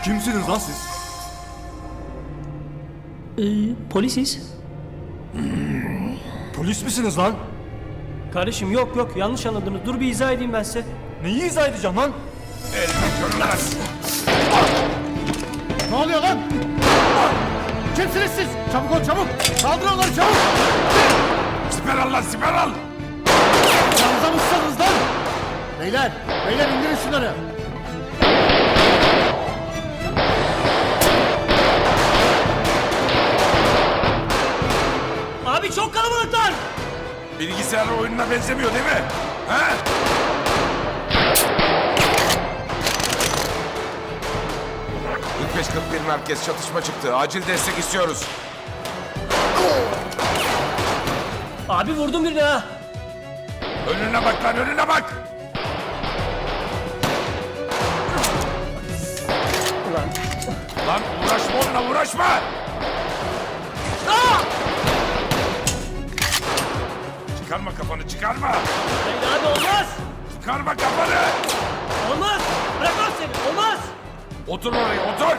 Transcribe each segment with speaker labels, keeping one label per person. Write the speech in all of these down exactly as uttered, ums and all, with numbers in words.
Speaker 1: Kimsiniz lan siz?
Speaker 2: Ee, polisiz.
Speaker 1: Polis misiniz lan?
Speaker 2: Kardeşim yok yok yanlış anladınız. Dur bir izah edeyim ben size.
Speaker 1: Neyi izah edeceğim lan?
Speaker 3: Ne oluyor lan? Kimsiniz siz? Çabuk ol çabuk. Kaldır onları çabuk.
Speaker 4: Siper al lan siper al.
Speaker 3: Yanınıza mısınız lan? Beyler, beyler indirin şunları.
Speaker 2: Abi çok kalabalıklar.
Speaker 4: Bilgisayar oyununa benzemiyor değil mi? He? kırk beş kırk bir merkez çatışma çıktı. Acil destek istiyoruz.
Speaker 2: Abi vurdum birini ha.
Speaker 4: Önüne bak lan önüne bak.
Speaker 2: Ulan.
Speaker 4: Lan uğraşma onunla uğraşma.
Speaker 2: Aa!
Speaker 4: Çıkarma kafanı çıkarma.
Speaker 2: Hayır abi olmaz.
Speaker 4: Çıkarma kafanı.
Speaker 2: Olmaz. Bırakmam seni. Olmaz.
Speaker 4: Otur oraya otur.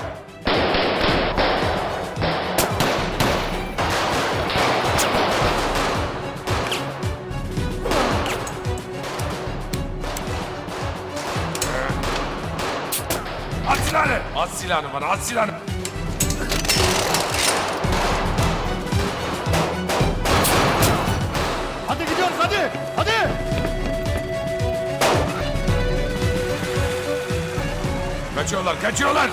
Speaker 4: At silahını. At silahını bana at silahını.
Speaker 3: Hadi gidiyoruz hadi. Hadi.
Speaker 4: Kaçıyorlar kaçıyorlar.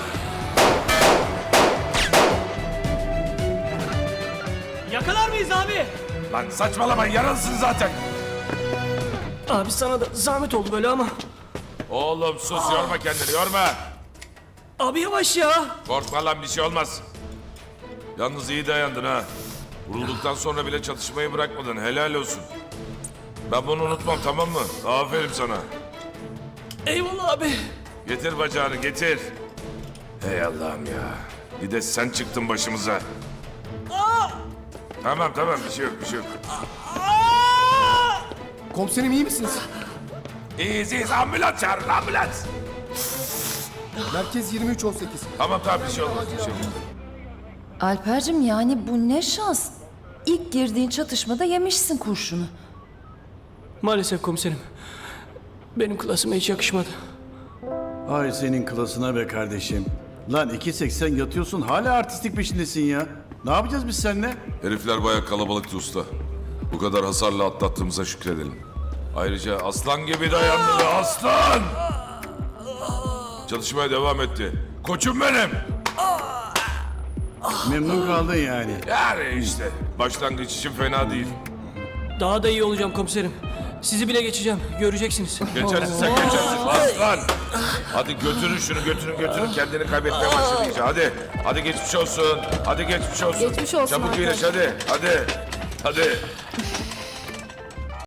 Speaker 2: Yakalar mıyız abi?
Speaker 4: Lan saçmalama yaralısın zaten.
Speaker 2: Abi sana da zahmet oldu böyle ama.
Speaker 4: Oğlum sus yorma kendini yorma.
Speaker 2: Abi yavaş ya.
Speaker 4: Korkma lan bir şey olmaz. Yalnız iyi dayandın ha. Vurulduktan sonra bile çatışmayı bırakmadın helal olsun. Ben bunu unutmam tamam mı? Aferin sana.
Speaker 2: Eyvallah abi.
Speaker 4: Getir bacağını getir. Hey Allah'ım ya. Bir de sen çıktın başımıza. Tamam tamam bir şey yok bir şey yok.
Speaker 3: Komiserim iyi misiniz?
Speaker 4: İyiyiz iyiyiz ambulans çağırın ambulans.
Speaker 3: Merkez yirmi üç on sekiz.
Speaker 4: Tamam tamam bir şey olmaz bir şey olmaz.
Speaker 5: Alper'cim yani bu ne şans. İlk girdiğin çatışmada yemişsin kurşunu.
Speaker 2: Maalesef komiserim. Benim klasıma hiç yakışmadı.
Speaker 6: Ay senin klasına be kardeşim. Lan iki seksen yatıyorsun hala artistik peşindesin ya. Ne yapacağız biz seninle?
Speaker 4: Herifler bayağı kalabalıktı usta. Bu kadar hasarla atlattığımıza şükredelim. Ayrıca aslan gibi dayandı be aslan! Çalışmaya devam etti. Koçum benim!
Speaker 6: Memnun kaldın yani.
Speaker 4: Yani işte başlangıç için fena değil.
Speaker 2: Daha da iyi olacağım komiserim. Sizi bile geçeceğim. Göreceksiniz.
Speaker 4: Geçersin sen geçersin aslan! Hadi götürün şunu götürün götürün kendini kaybetmeye başladı iyice hadi. Hadi geçmiş olsun. Hadi geçmiş olsun.
Speaker 5: Geçmiş olsun
Speaker 4: Çabuk
Speaker 5: Alper.
Speaker 4: iyileş hadi. Hadi. Hadi.